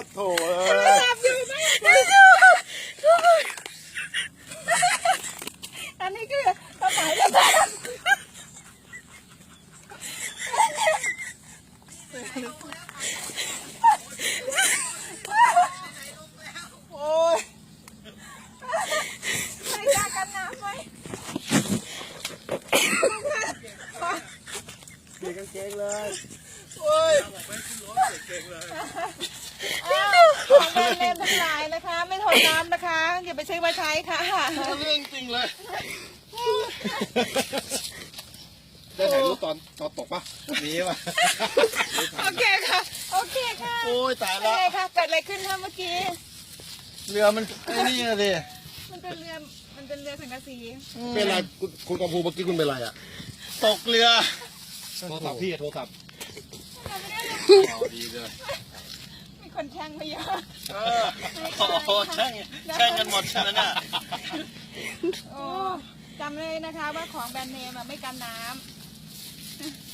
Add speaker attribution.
Speaker 1: โถ่เอ้ย
Speaker 2: จับอยู่ไหมอันนี้คือสมัยแล้วโอ้ยใส่ยากันน้ำไหม
Speaker 1: เปลี่ยนกางเกงเลย
Speaker 2: โอ้ย
Speaker 1: บอกไม่ขึ้นรถเปลี่ยนกางเกงเลย
Speaker 2: ของแบรนด์เนมทั้งหลายนะคะ ไม่ทนน้ำนะคะอย่าไปซื้อมาใช้ค่ะ
Speaker 1: เรื่องจริงเลยได้ถ่ายรูปตอนตกปะมีปะ
Speaker 2: โอเคค่ะ โอเคค่ะ
Speaker 1: โอ้ยตาย
Speaker 2: โอ
Speaker 1: แล้ว
Speaker 2: เคค่ะเกิดอะไรขึ้นคะเมื่อกี้
Speaker 1: เรือมันไอ้นี่นะดิ
Speaker 2: มันเป็นเรือสังกะสี
Speaker 1: เป็นไรคุณกำพูเมื่อกี้คุณเป็นไรอ่ะตกเรือโทรศัพท์พี่โทรศัพท์ดีเลย
Speaker 2: มีคนแช่งมาเยอะ
Speaker 1: โอ้โหแช่งกันหมดใช่ไหมน่ะ
Speaker 2: โอ้จำเลยนะคะว่าของแบรนด์เนมไม่กันน้ำ